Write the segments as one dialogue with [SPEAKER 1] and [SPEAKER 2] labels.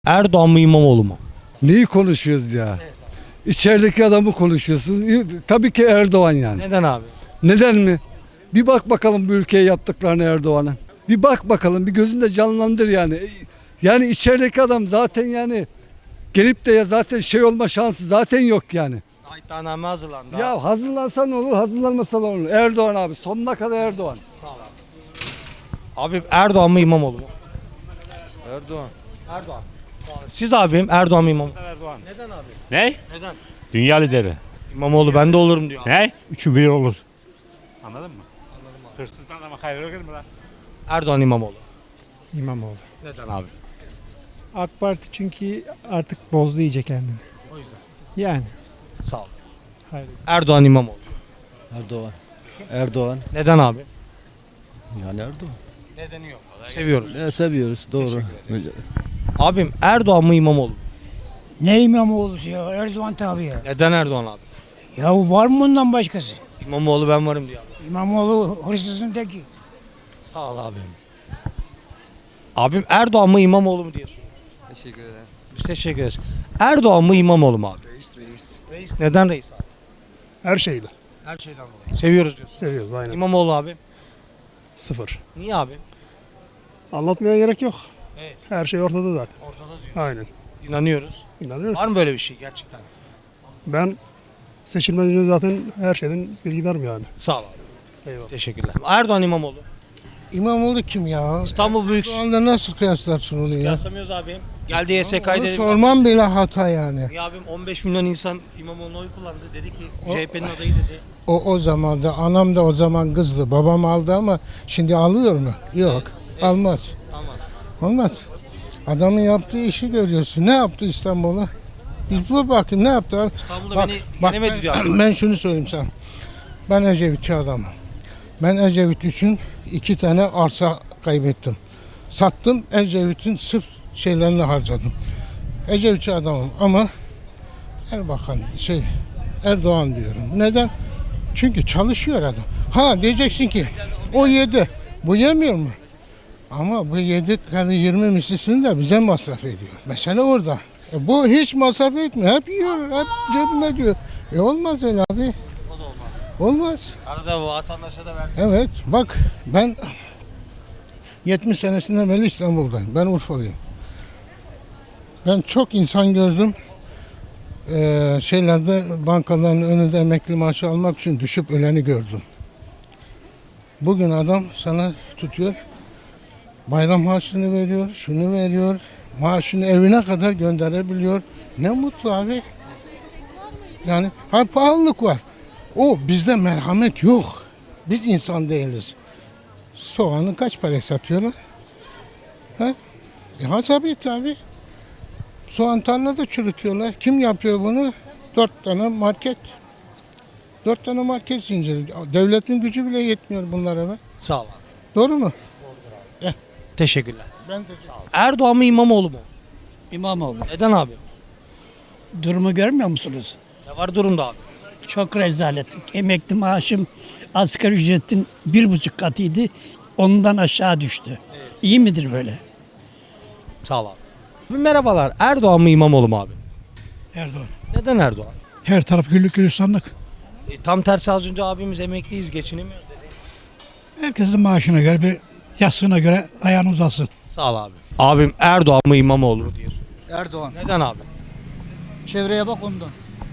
[SPEAKER 1] Erdoğan mı İmamoğlu mu?
[SPEAKER 2] Neyi konuşuyoruz ya? İçerideki adamı konuşuyorsunuz. Tabii ki Erdoğan yani.
[SPEAKER 1] Neden abi?
[SPEAKER 2] Neden mi? Bir bak bakalım bu ülkeye yaptıklarını Erdoğan'a. Bir bak bakalım, bir gözünde canlandır yani. Yani içerideki adam zaten yani gelip de ya zaten şey olma şansı zaten yok yani.
[SPEAKER 1] İddianame hazırlandı.
[SPEAKER 2] Ya hazırlansa ne olur, hazırlanmasa ne olur? Erdoğan abi, sonuna kadar Erdoğan.
[SPEAKER 1] Abi Erdoğan mı İmamoğlu mu?
[SPEAKER 3] Erdoğan.
[SPEAKER 1] Erdoğan. Siz abim Erdoğan mı İmamoğlu?
[SPEAKER 4] Erdoğan.
[SPEAKER 1] Neden abi?
[SPEAKER 4] Ne?
[SPEAKER 1] Neden?
[SPEAKER 4] Dünya lideri.
[SPEAKER 1] İmamoğlu ben de olurum diyor.
[SPEAKER 4] Ne? Üçü bir olur. Anladın mı? Anladım abi. Hırsızdan ama hayır yok mu lan?
[SPEAKER 1] Erdoğan İmamoğlu.
[SPEAKER 5] İmamoğlu.
[SPEAKER 1] Neden abi?
[SPEAKER 5] AK Parti çünkü artık bozdu iyice kendini.
[SPEAKER 1] O yüzden.
[SPEAKER 5] Yani.
[SPEAKER 1] Sağ ol.
[SPEAKER 5] Hayır.
[SPEAKER 1] Erdoğan İmamoğlu.
[SPEAKER 3] Erdoğan. Erdoğan.
[SPEAKER 1] Neden abi?
[SPEAKER 3] Yani Erdoğan.
[SPEAKER 1] Nedeni yok. Seviyoruz.
[SPEAKER 3] Ne seviyoruz doğru.
[SPEAKER 1] Abim Erdoğan mı İmamoğlu mu?
[SPEAKER 6] Ne İmamoğlu'su ya? Erdoğan tabii ya.
[SPEAKER 1] Neden Erdoğan abi?
[SPEAKER 6] Ya var mı bundan başkası?
[SPEAKER 1] İmamoğlu ben varım diyor abi.
[SPEAKER 6] İmamoğlu hırsızın teki.
[SPEAKER 1] Sağ ol abim. Abim Erdoğan mı İmamoğlu mu diye soruyor.
[SPEAKER 3] Teşekkür ederim.
[SPEAKER 1] Biz teşekkür ederiz. Erdoğan mı İmamoğlu mu abi?
[SPEAKER 3] Reis.
[SPEAKER 1] Reis neden reis abi?
[SPEAKER 5] Her şeyle.
[SPEAKER 1] Her şeyden dolayı. Seviyoruz diyorsun.
[SPEAKER 5] Seviyoruz aynen.
[SPEAKER 1] İmamoğlu abi.
[SPEAKER 5] Sıfır.
[SPEAKER 1] Niye abi?
[SPEAKER 5] Anlatmaya gerek yok.
[SPEAKER 1] Evet.
[SPEAKER 5] Her şey ortada zaten.
[SPEAKER 1] Ortada diyor.
[SPEAKER 5] Aynen.
[SPEAKER 1] İnanıyoruz.
[SPEAKER 5] İnanıyoruz.
[SPEAKER 1] Var mı böyle bir şey gerçekten?
[SPEAKER 5] Ben seçilmeden önce zaten her şeyden bir giderim yani.
[SPEAKER 1] Sağ ol abi.
[SPEAKER 5] Eyvallah.
[SPEAKER 1] Teşekkürler. Erdoğan İmamoğlu.
[SPEAKER 7] İmamoğlu kim ya?
[SPEAKER 1] İstanbul Büyük.
[SPEAKER 7] Şu anda nasıl kıyaslarsın onu ya?
[SPEAKER 1] Kıyaslamıyoruz abim. Geldi YSK'yı
[SPEAKER 7] Onu
[SPEAKER 1] dedi.
[SPEAKER 7] sormam bile hata yani.
[SPEAKER 1] Ya abim 15 milyon insan İmamoğlu'na oy kullandı. Dedi ki
[SPEAKER 7] O-
[SPEAKER 1] CHP'nin adayı dedi.
[SPEAKER 7] O zaman da anam da o zaman kızdı. Babam aldı ama şimdi alıyor mu? Yok. Almaz.
[SPEAKER 1] Aman.
[SPEAKER 7] Olmaz. Adamın yaptığı işi görüyorsun. Ne yaptı İstanbul'a? Biz bu bakayım ne yaptı?
[SPEAKER 1] İstanbul'da
[SPEAKER 7] Bak,
[SPEAKER 1] beni
[SPEAKER 7] bak
[SPEAKER 1] yenemedi diyor abi.
[SPEAKER 7] ben şunu söyleyeyim sana. Ben Ecevitçi adamım. Ben Ecevit için 2 tane arsa kaybettim. Sattım, Ecevit'in sırf şeylerini harcadım. Ecevitçi adamım ama Erdoğan diyorum. Neden? Çünkü çalışıyor adam. Ha diyeceksin ki o yedi. Bu yemiyor mu? Ama bu yedi kadar 20 mislisini de bize masraf ediyor. Mesele orada. Bu hiç masraf etmiyor. Hep yiyor, hep cebime diyor. Olmaz öyle abi.
[SPEAKER 1] O da olmaz.
[SPEAKER 7] Olmaz.
[SPEAKER 1] Arada vatandaşa da versin.
[SPEAKER 7] Evet bak ben 70 senesinden beri İstanbul'dayım. Ben Urfalıyım. Ben çok insan gördüm. Bankaların önünde emekli maaşı almak için düşüp öleni gördüm. Bugün adam sana tutuyor. Bayram maaşını veriyor, şunu veriyor. Maaşını evine kadar gönderebiliyor. Ne mutlu abi. Yani pahalılık var. Bizde merhamet yok. Biz insan değiliz. Soğanı kaç paraya satıyorlar? Ha? Tabii. Soğan tarlada çürütüyorlar. Kim yapıyor bunu? 4 tane market. 4 tane market zinciri. Devletin gücü bile yetmiyor bunlara be.
[SPEAKER 1] Sağ ol abi.
[SPEAKER 7] Doğru mu?
[SPEAKER 1] Teşekkürler.
[SPEAKER 7] Ben de
[SPEAKER 1] Erdoğan mı İmamoğlu mu?
[SPEAKER 6] İmamoğlu.
[SPEAKER 1] Neden abi?
[SPEAKER 6] Durumu görmüyor musunuz?
[SPEAKER 1] Ne var durumda abi?
[SPEAKER 6] Çok rezalet. Emekli maaşım asgari ücretin 1,5 katıydı. Ondan aşağı düştü. İyi midir böyle?
[SPEAKER 1] Sağ ol abi. Merhabalar. Erdoğan mı İmamoğlu mu abi?
[SPEAKER 8] Erdoğan.
[SPEAKER 1] Neden Erdoğan?
[SPEAKER 8] Her taraf güllük gülistanlık.
[SPEAKER 1] Tam tersi az önce abimiz emekliyiz geçinemiyoruz dedi.
[SPEAKER 8] Herkesin maaşına göre bir yastığına göre ayağını uzatsın.
[SPEAKER 1] Sağ ol abi. Abim Erdoğan mı İmamoğlu mu diye soruyor.
[SPEAKER 3] Erdoğan.
[SPEAKER 1] Neden abi?
[SPEAKER 3] Çevreye bak ondan.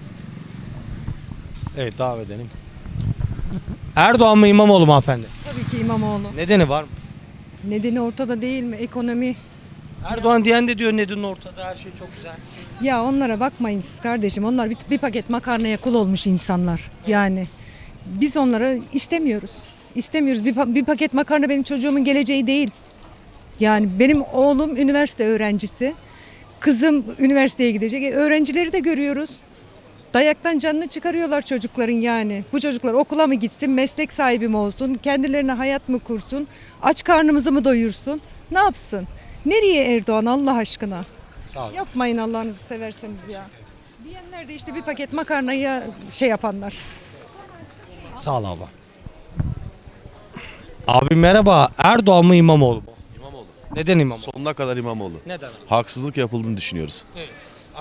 [SPEAKER 1] Evet devam edelim. Erdoğan mı İmamoğlu mu hanımefendi?
[SPEAKER 9] Tabii ki İmamoğlu.
[SPEAKER 1] Nedeni var mı?
[SPEAKER 9] Nedeni ortada değil mi? Ekonomi.
[SPEAKER 1] Erdoğan diyen de diyor nedeni ortada her şey çok güzel.
[SPEAKER 9] Ya onlara bakmayın siz kardeşim. Onlar bir paket makarnaya kul olmuş insanlar. Yani biz onları istemiyoruz. İstemiyoruz. Bir paket makarna benim çocuğumun geleceği değil. Yani benim oğlum üniversite öğrencisi. Kızım üniversiteye gidecek. Öğrencileri de görüyoruz. Dayaktan canını çıkarıyorlar çocukların yani. Bu çocuklar okula mı gitsin, meslek sahibi mi olsun, kendilerine hayat mı kursun, aç karnımızı mı doyursun, ne yapsın? Nereye Erdoğan Allah aşkına?
[SPEAKER 1] Sağ ol.
[SPEAKER 9] Yapmayın Allah'ınızı severseniz ya. Diyenler de işte bir paket makarnaya şey yapanlar.
[SPEAKER 1] Sağ ol abi. Abi merhaba. Erdoğan mı İmamoğlu mu?
[SPEAKER 10] İmamoğlu.
[SPEAKER 1] Neden İmamoğlu?
[SPEAKER 10] Sonuna kadar İmamoğlu.
[SPEAKER 1] Neden?
[SPEAKER 10] Haksızlık yapıldığını düşünüyoruz.
[SPEAKER 1] Evet.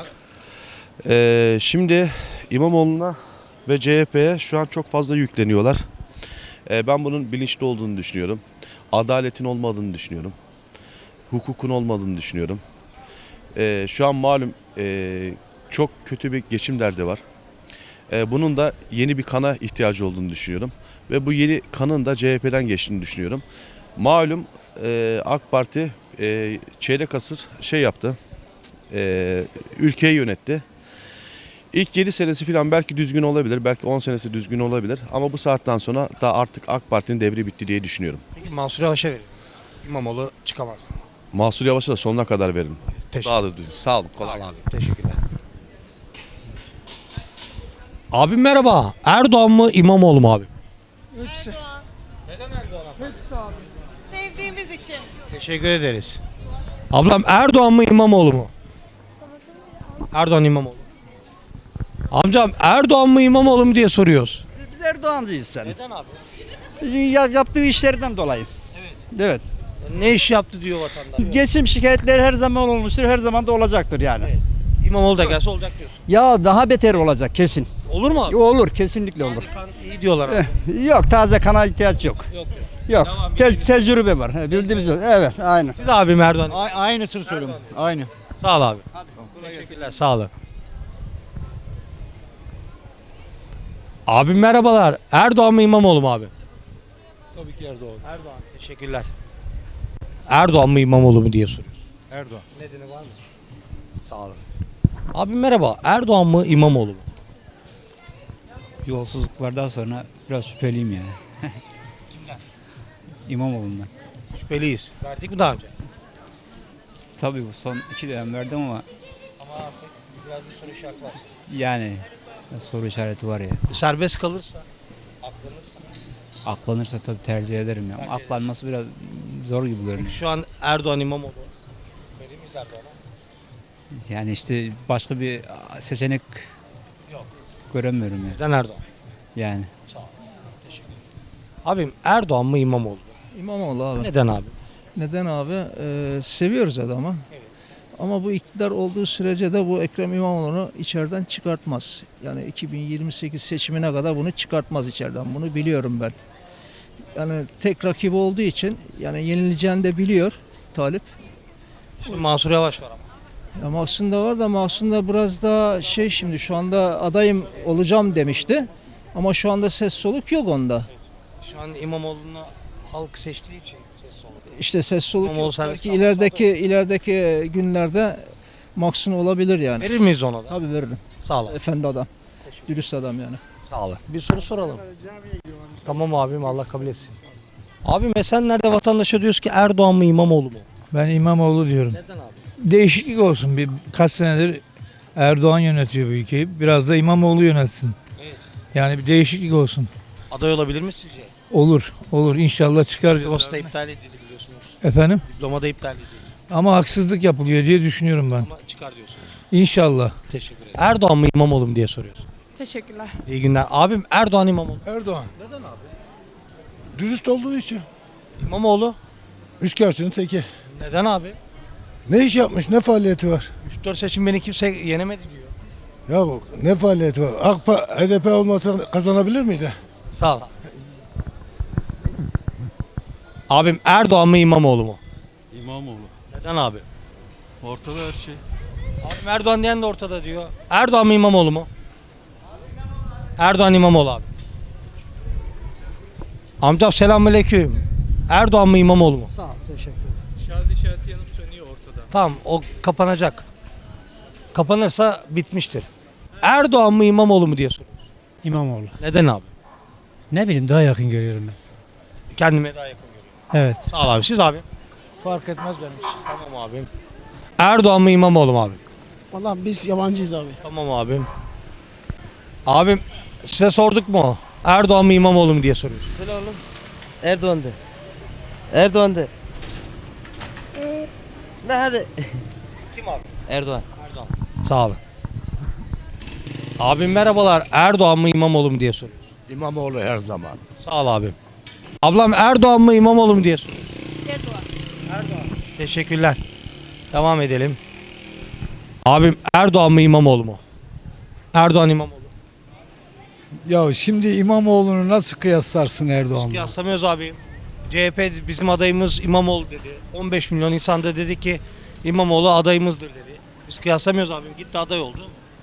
[SPEAKER 10] Şimdi İmamoğlu'na ve CHP'ye şu an çok fazla yükleniyorlar. Ben bunun bilinçli olduğunu düşünüyorum. Adaletin olmadığını düşünüyorum. Hukukun olmadığını düşünüyorum. Şu an malum çok kötü bir geçim derdi var. Bunun da yeni bir kana ihtiyacı olduğunu düşünüyorum. Ve bu yeni kanın da CHP'den geçtiğini düşünüyorum. Malum AK Parti çeyrek asır yaptı. Ülkeyi yönetti. İlk 7 senesi falan belki düzgün olabilir. Belki 10 senesi düzgün olabilir. Ama bu saatten sonra da artık AK Parti'nin devri bitti diye düşünüyorum.
[SPEAKER 1] Peki Mansur Yavaş'a verin. İmamoğlu çıkamaz.
[SPEAKER 10] Mansur Yavaş'a da sonuna kadar verin.
[SPEAKER 1] Teşekkür
[SPEAKER 10] Daha da düzgün. Sağ olun. Kolay
[SPEAKER 1] Sağ ol
[SPEAKER 10] gelsin.
[SPEAKER 1] abi. Teşekkürler. Abi merhaba. Erdoğan mı İmamoğlu mu abi?
[SPEAKER 11] Erdoğan.
[SPEAKER 1] Neden Erdoğan?
[SPEAKER 11] Sevdiğimiz için.
[SPEAKER 1] Teşekkür ederiz. Ablam Erdoğan mı İmamoğlu mu? Erdoğan İmamoğlu. Amcam Erdoğan mı İmamoğlu mu diye soruyoruz.
[SPEAKER 3] Biz Erdoğancıyız sen.
[SPEAKER 1] Neden abi?
[SPEAKER 3] Yaptığı işlerden dolayı. Evet.
[SPEAKER 1] Ne iş yaptı diyor vatandaş.
[SPEAKER 3] Geçim şikayetleri her zaman olmuştur, her zaman da olacaktır yani.
[SPEAKER 1] İmamoğlu da gelse olacak diyorsun.
[SPEAKER 3] Ya daha beter olacak kesin.
[SPEAKER 1] Olur mu abi?
[SPEAKER 3] Olur, kesinlikle olur.
[SPEAKER 1] Kan iyi diyorlar abi.
[SPEAKER 3] Yok, taze kana ihtiyaç yok.
[SPEAKER 1] Yok.
[SPEAKER 3] Yok.
[SPEAKER 1] Tamam,
[SPEAKER 3] Tecrübe var. Bildiğimiz evet, aynı.
[SPEAKER 1] Siz abim Erdoğan.
[SPEAKER 7] Aynısını söylüyorum. Aynı.
[SPEAKER 1] Sağ ol abi. Teşekkürler. Sağ olun. Abim merhabalar. Erdoğan mı İmamoğlu mu abi?
[SPEAKER 5] Tabii ki Erdoğan.
[SPEAKER 1] Erdoğan. Teşekkürler. Erdoğan mı İmamoğlu mu diye soruyoruz.
[SPEAKER 5] Erdoğan.
[SPEAKER 1] Nedeni var mı? Sağ olun. Abim merhaba. Erdoğan mı İmamoğlu mu?
[SPEAKER 3] Yolsuzluklardan sonra biraz şüpheliyim yani. İmamoğlu'ndan.
[SPEAKER 1] Şüpheliyiz. Verdik mi daha önce?
[SPEAKER 3] Tabii bu son 2 dönem verdim ama
[SPEAKER 1] Ama artık biraz bir soru işareti var.
[SPEAKER 3] yani soru işareti var ya.
[SPEAKER 1] Serbest kalırsa, aklanırsa.
[SPEAKER 3] Aklanırsa tabii tercih ederim ya. Aklanması biraz zor gibi görünüyor.
[SPEAKER 1] Şu an Erdoğan İmamoğlu. Verir miyiz Erdoğan'a?
[SPEAKER 3] Yani işte başka bir seçenek
[SPEAKER 1] Yok.
[SPEAKER 3] göremiyorum yani.
[SPEAKER 1] Neden Erdoğan?
[SPEAKER 3] Yani.
[SPEAKER 1] Sağ ol. Teşekkür ederim. Abim Erdoğan mı İmamoğlu mu?
[SPEAKER 5] İmamoğlu abi.
[SPEAKER 1] Neden abi?
[SPEAKER 5] Neden abi? Seviyoruz adamı.
[SPEAKER 1] Evet.
[SPEAKER 5] Ama bu iktidar olduğu sürece de bu Ekrem İmamoğlu'nu içeriden çıkartmaz. Yani 2028 seçimine kadar bunu çıkartmaz içeriden. Bunu biliyorum ben. Yani tek rakibi olduğu için yani yenileceğini de biliyor Talip.
[SPEAKER 1] Şimdi Mansur Yavaş var ama.
[SPEAKER 5] Ya Mahsun da var da Mahsun da biraz daha şimdi şu anda adayım olacağım demişti. Ama şu anda ses soluk yok onda.
[SPEAKER 1] Şu an İmamoğlu'nu halk seçtiği için ses soluk.
[SPEAKER 5] İşte ses soluk
[SPEAKER 1] İmamoğlu
[SPEAKER 5] yok.
[SPEAKER 1] serbest
[SPEAKER 5] Belki ilerideki günlerde Mahsun olabilir yani.
[SPEAKER 1] Verir miyiz ona da?
[SPEAKER 5] Tabii veririm.
[SPEAKER 1] Sağ ol.
[SPEAKER 5] Efendi adam. Dürüst adam yani.
[SPEAKER 1] Sağ ol. Bir soru soralım. Tamam abim Allah kabul etsin. Abim Esenler'de vatandaşa diyoruz ki Erdoğan mı İmamoğlu mu?
[SPEAKER 8] Ben İmamoğlu diyorum.
[SPEAKER 1] Neden abi?
[SPEAKER 8] Değişiklik olsun. Kaç senedir Erdoğan yönetiyor bu ülkeyi. Biraz da İmamoğlu yönetsin.
[SPEAKER 1] Evet.
[SPEAKER 8] Yani bir değişiklik olsun.
[SPEAKER 1] Aday olabilir mi sizce?
[SPEAKER 8] Olur. İnşallah çıkar.
[SPEAKER 1] Diploması da iptal edildi biliyorsunuz.
[SPEAKER 8] Efendim?
[SPEAKER 1] Diploma da iptal edildi.
[SPEAKER 8] Ama haksızlık yapılıyor diye düşünüyorum ben.
[SPEAKER 1] Ama çıkar diyorsunuz.
[SPEAKER 8] İnşallah.
[SPEAKER 1] Teşekkür ederim. Erdoğan mı İmamoğlu mu diye soruyoruz.
[SPEAKER 11] Teşekkürler.
[SPEAKER 1] İyi günler. Abim Erdoğan İmamoğlu.
[SPEAKER 7] Erdoğan.
[SPEAKER 1] Neden abi?
[SPEAKER 7] Dürüst olduğu için.
[SPEAKER 1] İmamoğlu.
[SPEAKER 7] Üçkağıtçının teki.
[SPEAKER 1] Neden abi?
[SPEAKER 7] Ne iş yapmış, ne faaliyeti var?
[SPEAKER 1] 3-4 seçim beni kimse yenemedi diyor.
[SPEAKER 7] Ya bu ne faaliyeti var? HDP olmasa kazanabilir miydi?
[SPEAKER 1] Sağ ol. Abim Erdoğan mı İmamoğlu mu?
[SPEAKER 10] İmamoğlu.
[SPEAKER 1] Neden abi?
[SPEAKER 10] Ortada her şey.
[SPEAKER 1] Abim Erdoğan diyen de ortada diyor. Erdoğan mı İmamoğlu mu? Erdoğan İmamoğlu abi. Amcam selamünaleyküm. Erdoğan mı İmamoğlu mu?
[SPEAKER 3] Sağ ol, teşekkür
[SPEAKER 5] Şarj işareti yanıp sönüyor ortada.
[SPEAKER 1] Tamam o kapanacak. Kapanırsa bitmiştir. Erdoğan mı İmamoğlu mu diye soruyoruz.
[SPEAKER 8] İmamoğlu.
[SPEAKER 1] Neden abi?
[SPEAKER 8] Ne bileyim daha yakın görüyorum ben.
[SPEAKER 1] Kendime daha yakın görüyorum.
[SPEAKER 8] Evet.
[SPEAKER 1] Sağ ol abi. Siz abi?
[SPEAKER 7] Fark etmez benim için.
[SPEAKER 1] Tamam abim. Erdoğan mı İmamoğlu mu abi?
[SPEAKER 7] Vallahi biz yabancıyız abi.
[SPEAKER 1] Tamam abim. Abim size sorduk mu? Erdoğan mı İmamoğlu mu diye soruyoruz.
[SPEAKER 3] Söyle oğlum. Erdoğan de. Erdoğan de. Ne hadi.
[SPEAKER 1] Kim abi?
[SPEAKER 3] Erdoğan.
[SPEAKER 1] Erdoğan. Sağ olun. Abim merhabalar. Erdoğan mı İmamoğlu mu diye soruyoruz.
[SPEAKER 7] İmamoğlu her zaman.
[SPEAKER 1] Sağ ol abim. Ablam Erdoğan mı İmamoğlu mu diye soruyoruz.
[SPEAKER 11] Erdoğan.
[SPEAKER 1] Teşekkürler. Devam edelim. Abim Erdoğan mı İmamoğlu mu? Erdoğan İmamoğlu.
[SPEAKER 2] Ya şimdi İmamoğlu'nu nasıl kıyaslarsın Erdoğan'la?
[SPEAKER 1] Kıyaslamıyoruz abim. CHP bizim adayımız İmamoğlu dedi. 15 milyon insan da dedi ki İmamoğlu adayımızdır dedi. Biz kıyaslamıyoruz abim. Gitti aday oldu.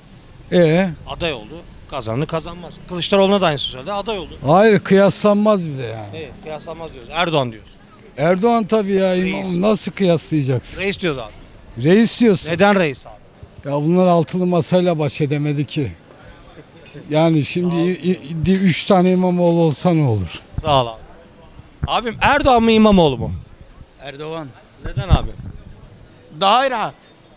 [SPEAKER 1] Aday oldu. Kazanır kazanmaz. Kılıçdaroğlu'na da aynısı söyledi. Aday oldu.
[SPEAKER 2] Hayır, kıyaslanmaz bile yani.
[SPEAKER 1] Evet, kıyaslanmaz diyoruz. Erdoğan diyoruz.
[SPEAKER 2] Erdoğan tabii ya,
[SPEAKER 1] Reis.
[SPEAKER 2] İmamoğlu nasıl kıyaslayacaksın?
[SPEAKER 1] Reis diyoruz abi.
[SPEAKER 2] Reis diyorsun.
[SPEAKER 1] Neden reis abi?
[SPEAKER 2] Ya bunlar altılı masayla baş edemedi ki. Yani şimdi 3 tane İmamoğlu olsa ne olur?
[SPEAKER 1] Sağ ol abi. Abim Erdoğan mı İmamoğlu mu?
[SPEAKER 3] Erdoğan.
[SPEAKER 1] Neden abi?
[SPEAKER 3] Daha rahat.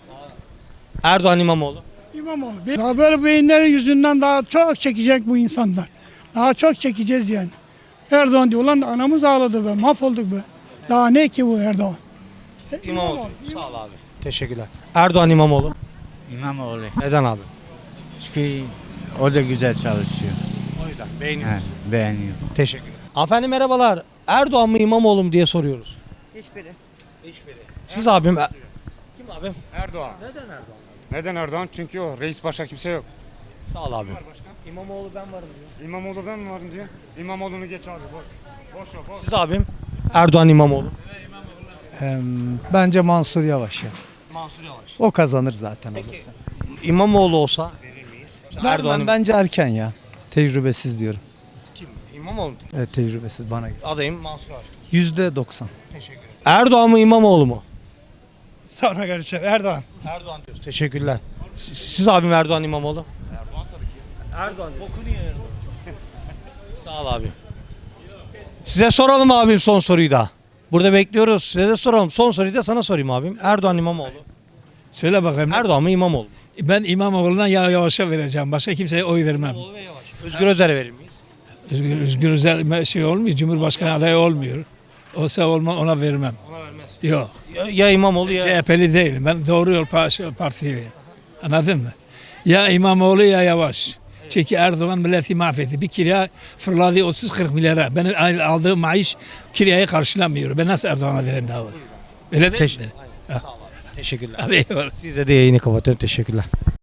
[SPEAKER 1] Erdoğan İmamoğlu.
[SPEAKER 6] İmamoğlu. Daha böyle beyinlerin yüzünden daha çok çekecek bu insanlar. Daha çok çekeceğiz yani. Erdoğan diyor lan anamız ağladı be, mahvolduk be. Daha ne ki bu Erdoğan?
[SPEAKER 1] İmamoğlu. Sağ ol abi. Teşekkürler. Erdoğan İmamoğlu.
[SPEAKER 3] İmamoğlu.
[SPEAKER 1] Neden abi?
[SPEAKER 3] Çünkü o da güzel çalışıyor.
[SPEAKER 1] O yüzden beğeniyoruz.
[SPEAKER 3] Beğeniyor.
[SPEAKER 1] Teşekkürler. Hanımefendi merhabalar. Erdoğan mı İmamoğlu mu diye soruyoruz.
[SPEAKER 11] Hiçbiri.
[SPEAKER 1] Hiçbiri. Siz abim. Kim abim?
[SPEAKER 4] Erdoğan.
[SPEAKER 1] Neden Erdoğan?
[SPEAKER 4] Neden Erdoğan? Çünkü o reis başka kimse yok.
[SPEAKER 1] Sağ ol abi. İmamoğlu ben varım diyor.
[SPEAKER 4] İmamoğlu ben mi varım diyor. İmamoğlu'nu geç abi boş. Boş yok boş.
[SPEAKER 1] Siz abim. Erdoğan İmamoğlu.
[SPEAKER 5] Bence Mansur Yavaş ya.
[SPEAKER 1] Mansur Yavaş.
[SPEAKER 5] O kazanır zaten.
[SPEAKER 1] Peki İmamoğlu olsa verir miyiz? Erdoğan
[SPEAKER 5] Bence erken ya. Tecrübesiz diyorum.
[SPEAKER 1] kim? İmamoğlu mu?
[SPEAKER 5] Evet, tecrübesiz bana göre.
[SPEAKER 1] Adayım Mansur Yavaş.
[SPEAKER 5] %90.
[SPEAKER 1] Teşekkür ederim. Erdoğan mı İmamoğlu mu?
[SPEAKER 6] Sonra görüşeceğiz. Erdoğan.
[SPEAKER 1] Erdoğan diyoruz. Teşekkürler. Siz abim Erdoğan İmamoğlu? Erdoğan tabii ki. Erdoğan. Bokunu yer. Sağ ol abi. Size soralım abim son soruyu da. Burada bekliyoruz. Size de soralım. Son soruyu da sana sorayım abim. Erdoğan İmamoğlu.
[SPEAKER 8] Söyle bakayım.
[SPEAKER 1] Erdoğan mı İmamoğlu mu?
[SPEAKER 8] Ben İmamoğlu'na Yavaş'a vereceğim. Başka kimseye oy vermem.
[SPEAKER 1] İmamoğlu ve Yavaş. Özgür Özel'e verir miyiz?
[SPEAKER 8] Özgür Özel şey olmuyor. Cumhurbaşkanı adayı olmuyor. Olsa ona vermem.
[SPEAKER 1] Ona vermez.
[SPEAKER 8] Yok.
[SPEAKER 1] Ya İmamoğlu ya.
[SPEAKER 8] CHP'li değilim. Ben Doğru Yol Partiliyim. Anladın mı? Ya İmamoğlu ya Yavaş. Çünkü Erdoğan milleti mahvetti. Bir kiraya fırladı 30-40 milyara. Benim aldığım maaş kirayı karşılamıyor. Ben nasıl Erdoğan'a vereyim daha? Öyle değil mi?
[SPEAKER 1] Sağ ol abi. Teşekkürler.
[SPEAKER 8] Hadi eyvallah.
[SPEAKER 1] Size de yayını kapatıyorum. Teşekkürler.